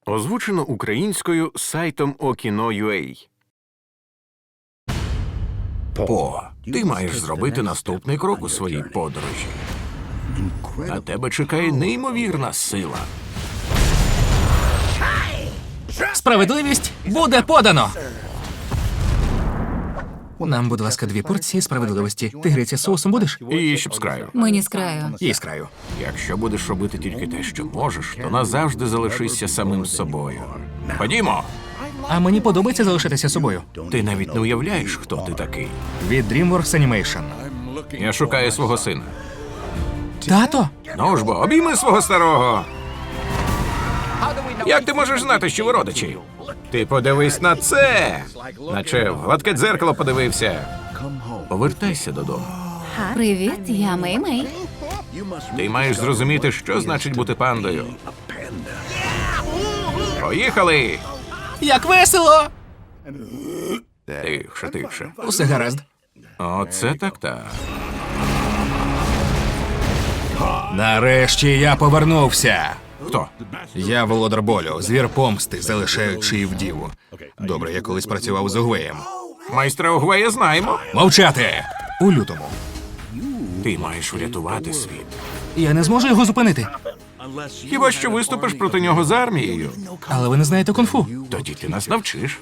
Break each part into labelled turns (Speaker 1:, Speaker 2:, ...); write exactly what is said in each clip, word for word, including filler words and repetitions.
Speaker 1: Озвучено українською сайтом Okino.ua.
Speaker 2: По, ти маєш зробити наступний крок у своїй подорожі. На тебе чекає неймовірна сила.
Speaker 3: Справедливість буде подано! Нам, будь ласка, дві порції справедливості. Тигриця з соусом будеш?
Speaker 2: І щоб з краю.
Speaker 4: Мені з краю.
Speaker 3: І з краю.
Speaker 2: Якщо будеш робити тільки те, що можеш, то назавжди залишишся самим собою. Ходімо!
Speaker 3: А мені подобається залишитися собою.
Speaker 2: Ти навіть не уявляєш, хто ти такий.
Speaker 3: Від DreamWorks Animation.
Speaker 2: Я шукаю свого сина.
Speaker 3: Тато?
Speaker 2: Ну ж бо, обійми свого старого. Як ти можеш знати, що ви родичі? Ти подивись на це! Наче в гладке дзеркало подивився. Повертайся додому.
Speaker 4: Привіт, я Мей-Мей.
Speaker 2: Ти маєш зрозуміти, що значить бути пандою. Поїхали!
Speaker 3: Як весело!
Speaker 2: Тихше, тихше.
Speaker 3: Усе гаразд.
Speaker 2: Оце так-так.
Speaker 3: Нарешті я повернувся.
Speaker 2: Хто?
Speaker 3: Я володар болю, звір помсти, залишаючи вдіву. Добре, я колись працював з Угвеєм.
Speaker 2: Майстра Угвея знаємо.
Speaker 3: Мовчати! У лютому.
Speaker 2: Ти маєш врятувати світ.
Speaker 3: Я не зможу його зупинити.
Speaker 2: Хіба що виступиш проти нього з армією?
Speaker 3: Але ви не знаєте кунг-фу.
Speaker 2: Тоді ти нас навчиш.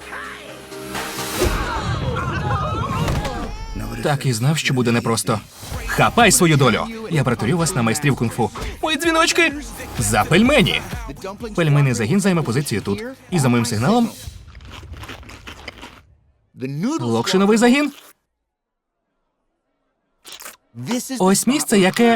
Speaker 3: Так і знав, що буде непросто. Хапай свою долю! Я перетворю вас на майстрів кунг-фу. Мої дзвіночки! За пельмені! Пельменний загін займе позицію тут. І за моїм сигналом... Локшиновий загін. Ось місце, яке...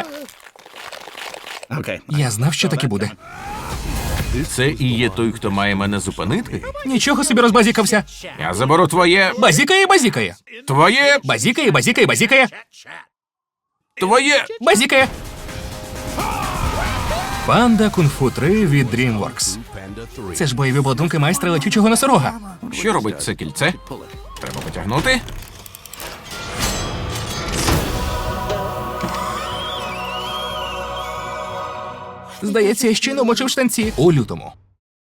Speaker 3: Я знав, що таке буде.
Speaker 2: Це і є той, хто має мене зупинити?
Speaker 3: Нічого собі розбазікався.
Speaker 2: Я заберу твоє...
Speaker 3: Базікає, базікає.
Speaker 2: Твоє...
Speaker 3: Базікає, базікає, базікає.
Speaker 2: Твоє...
Speaker 3: Базікає. Панда Кунг-фу три від DreamWorks. Це ж бойові обладунки майстра летючого носорога.
Speaker 2: Що робить це кільце? Треба потягнути.
Speaker 3: Здається, я щойно мочив штанці. У лютому.